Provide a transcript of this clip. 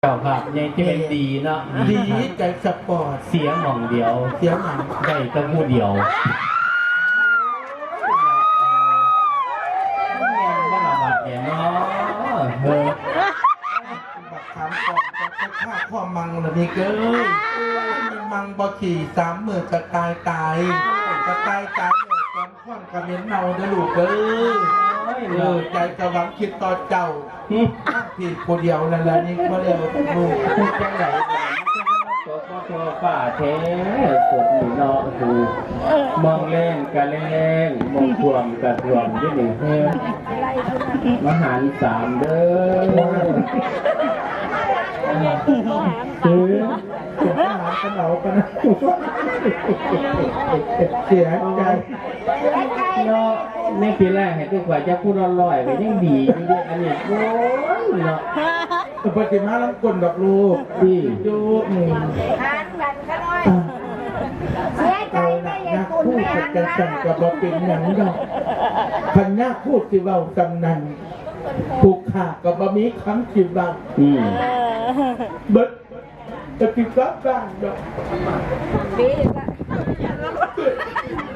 เจ้าภาพยังที่เป็นดีเนาะดีใจสปอร์ตเสียงหม่องเดียวเสียงหนังได้แต่ผู้เดียวแม่นบ่ละบาดเนี่ยเนาะบักขามก่อนจะฆ่าข้อมังเลยนี่เก้ยมีมังบ่ขี่30,000จะตายจะตายเลยตอนข้อนกระเม็นเนาเด้อลูกเอ้ยใจจะหวังคิดต่อเจ้าพี่คนเดียวนั่นแหละนี่ก็เร็วลูกจังไหนตัวพ่อฝ่าแท้ปวดหนีนอถูมองเล่นกะเล่นมองท่วมกะท่วมด้วยหนึ่งเพื่อมหาร3เด้อคือจะหากันเอากันเสียใจเนาะในปีแรกให้ทุกว่าจะพูดลอยๆไปยังดีอยู่ดิอันนี้โอ้ยเนาะปฏิมาลังกลดอกลูกที่จูทานกันก็น้อยเสียใจไม่ยังคุณไม่หันนะสั่งกับบเป็นหนังดอกพันยาพูดสิเบาตำนันผูกขากับบะมีคำสิเบาเบิดจะกินกับบ้านดอก